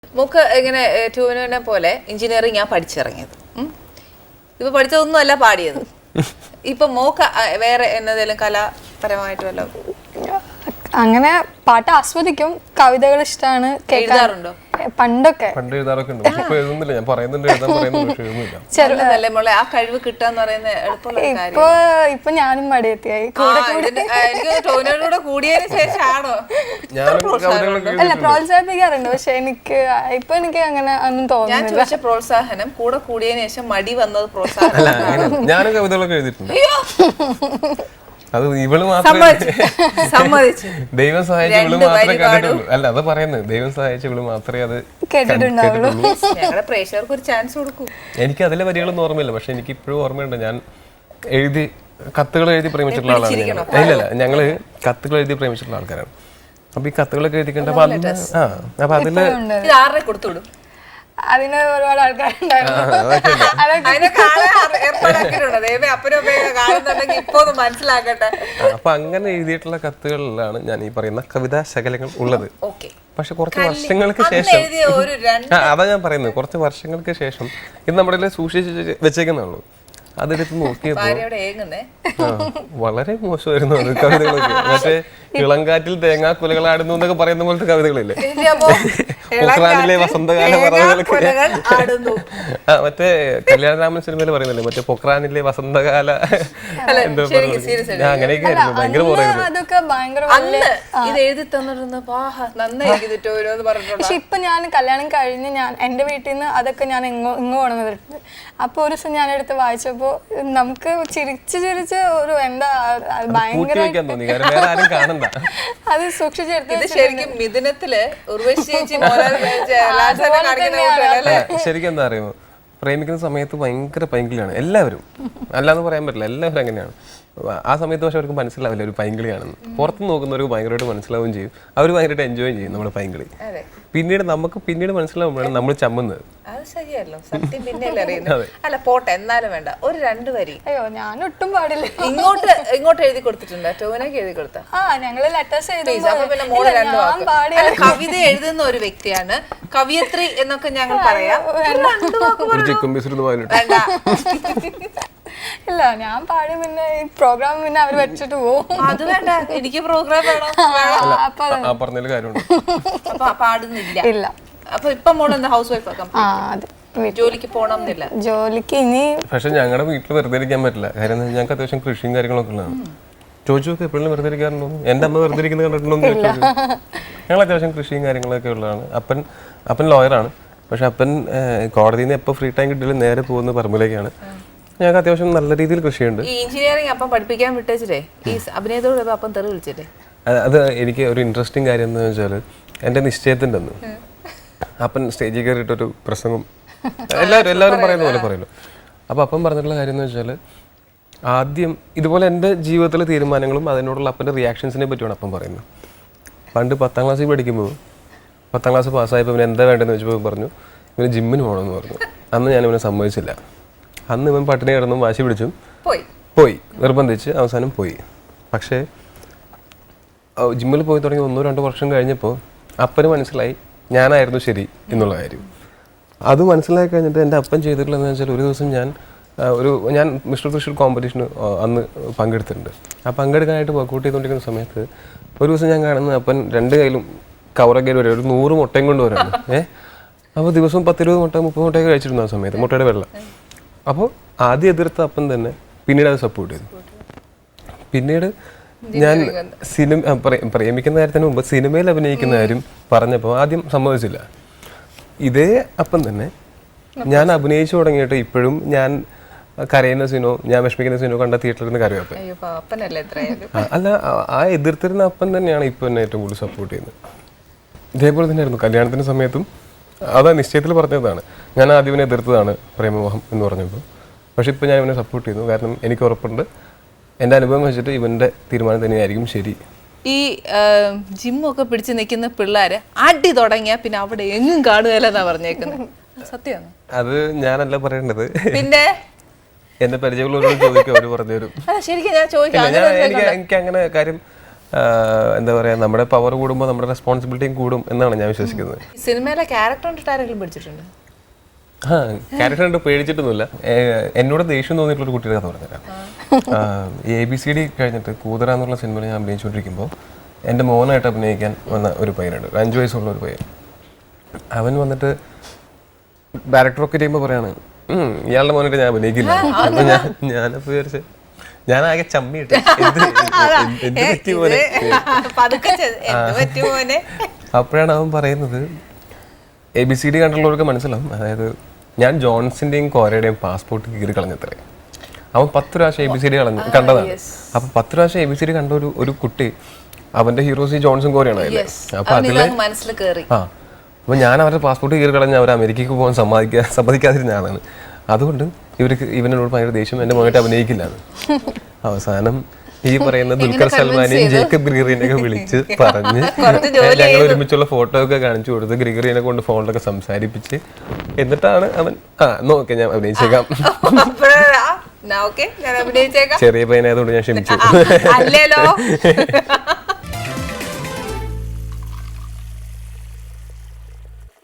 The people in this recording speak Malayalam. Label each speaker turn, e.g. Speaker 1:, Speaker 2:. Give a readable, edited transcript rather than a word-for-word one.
Speaker 1: മൂക്ക് ഇങ്ങനെ ടൂവിനെ പോലെ എഞ്ചിനീയറിംഗ് ഞാൻ പഠിച്ചിറങ്ങിയത്. ഇപ്പൊ പഠിച്ചതൊന്നും അല്ല പാടിയത്. ഇപ്പൊ മോക്ക് വേറെ എന്നതെങ്കിലും കലാപരമായിട്ട് വല്ല
Speaker 2: അങ്ങനെ പാട്ട് ആസ്വദിക്കും, കവിതകൾ ഇഷ്ടമാണ്, കേൾക്കാറുണ്ടോ? പണ്ടൊക്കെ
Speaker 3: എഴുതാറൊക്കെ ഉണ്ട്. ഇപ്പൊ എഴുതുന്നില്ല, ഞാൻ പറയുന്നുണ്ട് എഴുതാൻ പറയുന്നുണ്ട്, പക്ഷെ എഴുതുന്നില്ല.
Speaker 1: മോളെ ആ കഴിവ് കിട്ടാന്ന് പറയുന്നത് എളുപ്പമുള്ള കാര്യം.
Speaker 2: ഇപ്പൊ ഞാനും മടിയെത്തിയായി.
Speaker 1: എനിക്ക് ടോവിനോട് കൂടിയതിന് ശേഷമാണോ?
Speaker 2: അല്ല, പ്രോത്സാഹിപ്പിക്കാറുണ്ട്, പക്ഷെ എനിക്ക് അങ്ങനെ ഒന്നും
Speaker 1: ഞാൻ
Speaker 2: തോന്നുന്നില്ല.
Speaker 1: ചോദിച്ച പ്രോത്സാഹനം കൂടെ കൂടിയതിനു ശേഷം മടി വന്നത് പ്രോത്സാഹനം.
Speaker 3: ഞാനും കവിതകളൊക്കെ എഴുതിയിട്ടുണ്ട്. അത് ഇവള്
Speaker 1: സമ്മതിച്ചു.
Speaker 3: ദൈവം സഹായിച്ച ഇവള് മാത്രമേ കണ്ടിട്ടുള്ളൂ. അല്ല, അത് പറയുന്നത് ദൈവം സഹായിച്ച ഇവള് മാത്രമേ അത്
Speaker 2: കേട്ടിട്ടുണ്ടാവുള്ളൂ.
Speaker 1: ഞങ്ങളുടെ പ്രേക്ഷകർക്ക് ഒരു ചാൻസ് കൊടുക്കൂ.
Speaker 3: എനിക്ക് അതിലെ വരികളൊന്നും ഓർമ്മയില്ല, പക്ഷെ എനിക്ക് ഇപ്പോഴും ഓർമ്മയുണ്ട്. ഞാൻ കത്തുകൾ എഴുതി പ്രേമിച്ചിട്ടുള്ള ആളാണ്. ഇല്ലല്ല, ഞങ്ങള് കത്തുകൾ എഴുതി പ്രേമിച്ചിട്ടുള്ള ആൾക്കാരാണ്. അപ്പൊ ഈ കത്തുകളൊക്കെ എഴുതിക്കണ്ട അപ്പൊ അതില്
Speaker 1: ഇത് ആരുടെ കൊടുത്തുവിടും?
Speaker 2: അതിന് ഒരുപാട് ആൾക്കാരുണ്ടായിരുന്നു.
Speaker 1: മനസ്സിലാക്കട്ടെ.
Speaker 3: അപ്പൊ അങ്ങനെ എഴുതിയിട്ടുള്ള കത്തുകളിലാണ് ഞാൻ ഈ പറയുന്ന കവിതാ ശകലങ്ങൾ ഉള്ളത്. പക്ഷെ കുറച്ച് വർഷങ്ങൾക്ക് ശേഷം അതാ ഞാൻ പറയുന്നത്, കുറച്ച് വർഷങ്ങൾക്ക് ശേഷം ഇത് നമ്മുടെ സൂക്ഷിച്ച് വെച്ചേക്കുന്നുള്ളൂ. അതെടുത്ത് നോക്കിയപ്പോ വളരെ മോശമായിരുന്നു അത് കവിതകളൊക്കെ. മറ്റേ ഇളങ്കാറ്റിൽ തേങ്ങാക്കുലകളാടുന്നു എന്നൊക്കെ പറയുന്ന പോലത്തെ കവിതകളില്ലേ, പൊക്രാനിലെ വസന്തകാല പറവുകളൊക്കെ. മറ്റേ കല്യാണരാമൻ സിനിമയിൽ പറയുന്നില്ലേ, മറ്റേ പൊക്രാനിലെ വസന്തകാല എന്തോ അങ്ങനെയൊക്കെ ആയിരുന്നു. ഭയങ്കര
Speaker 2: പക്ഷെ ഇപ്പൊ ഞാൻ കല്യാണം കഴിഞ്ഞ് എന്റെ വീട്ടിൽ നിന്ന് അതൊക്കെ ഞാൻ ഇങ്ങ് കൊണ്ടുവന്നിട്ടുണ്ട്. അപ്പൊ ഒരു ദിവസം ഞാൻ എടുത്ത് വായിച്ചപ്പോ നമുക്ക് ചിരിച്ച് ഒരു എന്താ ഭയങ്കര അത് സൂക്ഷിച്ചെടുത്ത്.
Speaker 3: ശരിക്കും എന്താ അറിയുമോ, പ്രേമിക്കുന്ന സമയത്ത് ഭയങ്കര പൈങ്കിളിയാണ് എല്ലാവരും. അല്ലാന്ന് പറയാൻ പറ്റില്ല, എല്ലാവരും അങ്ങനെയാണ്. ആ സമയത്ത് പക്ഷെ അവർക്ക് മനസ്സിലാവില്ല ഒരു പൈങ്കിളിയാണെന്ന്. പുറത്ത് നോക്കുന്നവർക്ക് ഭയങ്കരമായിട്ട് മനസ്സിലാവുകയും ചെയ്യും, അവർ ഭയങ്കരമായിട്ട് എൻജോയ് ചെയ്യും നമ്മുടെ പൈങ്കിളി. പിന്നീട് മനസ്സിലാവുമ്പോഴാണ് നമ്മൾ ചമ്മുന്നത്.
Speaker 1: അത് ശരിയല്ലോ, സത്യം പിന്നെയല്ലേ അറിയുന്നത്. അല്ല പോട്ടെ, എന്നാലും വേണ്ട ഒരു 2 വരി.
Speaker 2: അയ്യോ, ഞാൻ ഒട്ടും പാടില്ല.
Speaker 1: ഇങ്ങോട്ട് എഴുതി കൊടുത്തിട്ടുണ്ട്, ടോവിനോക്ക് എഴുതി കൊടുത്ത.
Speaker 2: ഞങ്ങള് ലെറ്റേഴ്സ് എഴുതി.
Speaker 1: പിന്നെ മോള് 2 വാക്ക്. കവിത എഴുതുന്ന ഒരു വ്യക്തിയാണ്, കവിയത്രി എന്നൊക്കെ ഞങ്ങൾ പറയാം.
Speaker 2: ഇല്ല, ഞാൻ പാടി പിന്നെ ഈ പ്രോഗ്രാം പിന്നെ അവർ വെച്ചിട്ട് പോകും.
Speaker 1: അത് വേണ്ട, എനിക്ക് പ്രോഗ്രാം വേണം. അപ്പൊ പാടുന്നില്ല.
Speaker 2: ഇല്ല.
Speaker 1: അപ്പൊ ഇപ്പൊ മോള് എന്താ ഹൗസ് വൈഫ് ആക്കാം? ജോലിക്ക് പോണമെന്നില്ല.
Speaker 2: ജോലിക്ക് ഇനി
Speaker 3: പക്ഷെ ഞങ്ങളുടെ വീട്ടിൽ വെറുതെ ഇരിക്കാൻ പറ്റില്ല. കാര്യം ഞങ്ങൾക്ക് അത്യാവശ്യം കൃഷിയും കാര്യങ്ങളൊക്കെ ഉള്ളതാണ്. ചോദിച്ചു എപ്പോഴും വെറുതെ ഇരിക്കാറുണ്ടോ? എന്റെ അമ്മ വെറുതെ ഇരിക്കുന്നത് കണ്ടിട്ടുണ്ടോ? ഞങ്ങൾ അത്യാവശ്യം കൃഷിയും കാര്യങ്ങളൊക്കെ ഉള്ളതാണ്. അപ്പൻ ലോയറാണ്. പക്ഷെ അപ്പൻ കോടതിയിൽ നിന്ന് എപ്പോൾ ഫ്രീ ടൈം കിട്ടിയാലും നേരെ പോകുന്ന പറമ്പിലേക്കാണ്. ഞങ്ങൾക്ക് അത്യാവശ്യം നല്ല രീതിയിൽ കൃഷിയുണ്ട്.
Speaker 1: ഈ എഞ്ചിനീയറിംഗ് അപ്പം പഠിപ്പിക്കാൻ വിട്ടേ ഈ അഭിനയത്തോട് അപ്പം തെറി വിളിച്ചിട്ടേ.
Speaker 3: അത് എനിക്ക് ഒരു ഇൻട്രസ്റ്റിംഗ് കാര്യം എന്ന് വെച്ചാൽ, എൻ്റെ നിശ്ചയത്തിൻ്റെ അന്ന് അപ്പൻ സ്റ്റേജിൽ കയറിയിട്ടൊരു പ്രസംഗം എല്ലാവരും പറയുന്ന പോലെ പറയുമല്ലോ. അപ്പോൾ അപ്പം പറഞ്ഞിട്ടുള്ള കാര്യം എന്ന് വെച്ചാൽ, ആദ്യം ഇതുപോലെ എൻ്റെ ജീവിതത്തിലെ തീരുമാനങ്ങളും അതിനോടുള്ള അപ്പൻ്റെ റിയാക്ഷൻസിനെ പറ്റിയാണ് അപ്പം പറയുന്നത്. പണ്ട് 10ാം ക്ലാസ്സിൽ പഠിക്കുമ്പോൾ 10ാം ക്ലാസ് പാസ്സായപ്പോൾ ഇവന് എന്താ വേണ്ടതെന്ന് വെച്ചപ്പോൾ പറഞ്ഞു ഇവന് ജിമ്മിന് പോകണമെന്ന് പറഞ്ഞു. അന്ന് ഞാൻ ഇവനെ സമ്മതിച്ചില്ല. അന്ന് ഇവൻ പട്ടിണി കിടന്നും വാശി പിടിച്ചും പോയി നിർബന്ധിച്ച് അവസാനം പോയി. പക്ഷേ ജിമ്മിൽ പോയി തുടങ്ങി 1-2 വർഷം കഴിഞ്ഞപ്പോൾ അപ്പന് മനസ്സിലായി ഞാനായിരുന്നു ശരി എന്നുള്ള കാര്യം. അത് മനസ്സിലാക്കി കഴിഞ്ഞിട്ട് എൻ്റെ അപ്പൻ ചെയ്തിട്ടുള്ളതെന്ന് വെച്ചാൽ, ഒരു ദിവസം ഞാൻ മിസ്റ്റർ തൃശ്ശൂർ കോമ്പറ്റീഷന് അന്ന് പങ്കെടുത്തിട്ടുണ്ട്. ആ പങ്കെടുക്കാനായിട്ട് വർക്കൗട്ട് ചെയ്തുകൊണ്ടിരിക്കുന്ന സമയത്ത് ഒരു ദിവസം ഞാൻ കാണുന്ന അപ്പൻ 2 കയ്യിലും കവറൊക്കെ വരും, ഒരു 100 മുട്ടയും കൊണ്ടുവരാണ്. അപ്പോൾ ദിവസവും 10-20 മുട്ട 30 മുട്ടയൊക്കെ കഴിച്ചിരുന്നു ആ സമയത്ത്, മുട്ടയുടെ വെള്ളം. അപ്പോൾ ആദ്യം എതിർത്ത അപ്പൻ തന്നെ പിന്നീട് അത് സപ്പോർട്ട് ചെയ്തു. പിന്നീട് ഞാൻ പ്രേമിക്കുന്ന കാര്യത്തിന് മുമ്പ് സിനിമയിൽ അഭിനയിക്കുന്ന കാര്യം പറഞ്ഞപ്പോൾ ആദ്യം സമ്മതിച്ചില്ല. ഇതേ അപ്പം തന്നെ ഞാൻ അഭിനയിച്ചു തുടങ്ങിയിട്ട് ഇപ്പോഴും ഞാൻ കരയുന്ന സീനോ ഞാൻ വിഷമിക്കുന്ന സീനോ കണ്ട തിയേറ്ററിൽ നിന്ന് കരയും അപ്പൻ. അല്ല, ആ എതിർത്തിരുന്ന അപ്പൻ തന്നെയാണ് ഇപ്പോൾ എന്നെ ഏറ്റവും കൂടുതൽ സപ്പോർട്ട് ചെയ്യുന്നത്. ഇതേപോലെ തന്നെയായിരുന്നു കല്യാണത്തിന് സമയത്തും. അതാ നിശ്ചയത്തിൽ പറഞ്ഞതാണ്, ഞാൻ ആദ്യം ഇവനെ എതിർത്തതാണ് പ്രേമമോഹം എന്ന് പറഞ്ഞപ്പോൾ. പക്ഷെ ഇപ്പോൾ ഞാൻ ഇവനെ സപ്പോർട്ട് ചെയ്യുന്നു. കാരണം എനിക്ക് ഉറപ്പുണ്ട് എൻ്റെ അനുഭവം വെച്ചിട്ട് ഇവൻ്റെ തീരുമാനം തന്നെയായിരിക്കും ശരി.
Speaker 1: ഈ ജിമ്മൊക്കെ പിടിച്ച് നിൽക്കുന്ന പിള്ളേര് അടി തുടങ്ങിയാൽ പിന്നെ അവിടെ എങ്ങും കാണുകയല്ലെന്നാ പറഞ്ഞേക്കുന്നത്, സത്യമാണ്?
Speaker 3: അത് ഞാനല്ല പറയേണ്ടത്,
Speaker 1: പിന്നെ
Speaker 3: എന്നെ പരിചയമുള്ളവരോട് ചോദിക്കും, അവർ പറഞ്ഞു തരും.
Speaker 1: ശരിക്കും ഞാൻ ചോദിക്കാം.
Speaker 3: എനിക്ക് അങ്ങനെ കാര്യം എന്താ പറയുക, നമ്മുടെ പവർ കൂടുമ്പോൾ നമ്മുടെ റെസ്പോൺസിബിലിറ്റിയും കൂടും എന്നാണ് ഞാൻ വിശ്വസിക്കുന്നത്.
Speaker 1: സിനിമയിലെ ക്യാരക്ടർ കണ്ടിട്ട് ആരെങ്കിലും പഠിച്ചിട്ടുണ്ട്?
Speaker 3: ആ ക്യാരക്ടർ കണ്ട് പേടിച്ചിട്ടൊന്നുമില്ല. എന്നോട് ദേഷ്യം തോന്നിയിട്ടുള്ളൊരു കുട്ടിയുടെ കഥ പറഞ്ഞുതരാം. ABCD കഴിഞ്ഞിട്ട് കൂതറ എന്നുള്ള സിനിമയിൽ ഞാൻ അഭിനയിച്ചുകൊണ്ടിരിക്കുമ്പോൾ എൻ്റെ മോനായിട്ട് അഭിനയിക്കാൻ വന്ന ഒരു പയ്യനുണ്ട്, 5 വയസ്സുള്ള ഒരു പയ്യൻ. അവൻ വന്നിട്ട് ഡയറക്ടറൊക്കെ ചെയ്യുമ്പോൾ പറയാണ്, ഇയാളുടെ മോനായിട്ട് ഞാൻ അഭിനയിക്കില്ല. അപ്പൊ ഞാനപ്പോൾ വിചാരിച്ച് ഞാനാകെ ചമ്മിയിട്ട് എന്ത് പറ്റി പോലെ. അപ്പോഴാണ് അവൻ പറയുന്നത്, ABCD കണ്ടുള്ളവർക്ക് മനസ്സിലാവും, അതായത് ഞാൻ ജോൺസിന്റെയും കോരയുടെയും പാസ്പോർട്ട് കീറി കളഞ്ഞത്രേ. അവൻ 10 പ്രാവശ്യം ABCD കണ്ടതാണ്. അപ്പൊ 10 പ്രാവശ്യം ABCD കണ്ട ഒരു കുട്ടി, അവന്റെ ഹീറോസ് ജോൺസൺ കോരയാണ് അതില്. അപ്പൊ അതില് അപ്പൊ ഞാൻ അവരുടെ പാസ്പോർട്ട് കീറി കളഞ്ഞ അവർ അമേരിക്കക്ക് പോകാൻ സമ്മതിക്കാതിരുന്ന ആളാണ്. അതുകൊണ്ട് ഇവനോട് ഭയങ്കര ദേഷ്യം, എന്റെ മോനായിട്ട് അഭിനയിക്കില്ലാണ്. അവസാനം ഈ പറയുന്ന ദുൽഖർ സൽമാനെയും ജേക്കബ് ഗ്രിഗറിനെയൊക്കെ വിളിച്ച് പറഞ്ഞ് ഞങ്ങൾ ഒരുമിച്ചുള്ള ഫോട്ടോ ഒക്കെ കാണിച്ചു കൊടുത്ത് ഗ്രിഗറിനെ കൊണ്ട് ഫോണിലൊക്കെ സംസാരിപ്പിച്ച് എന്നിട്ടാണ് അവൻ നോക്കെ ഞാൻ അഭിനയിച്ചേക്കാം,
Speaker 1: ചെറിയ
Speaker 3: പയ്യനായതുകൊണ്ട് ഞാൻ ക്ഷമിച്ചു.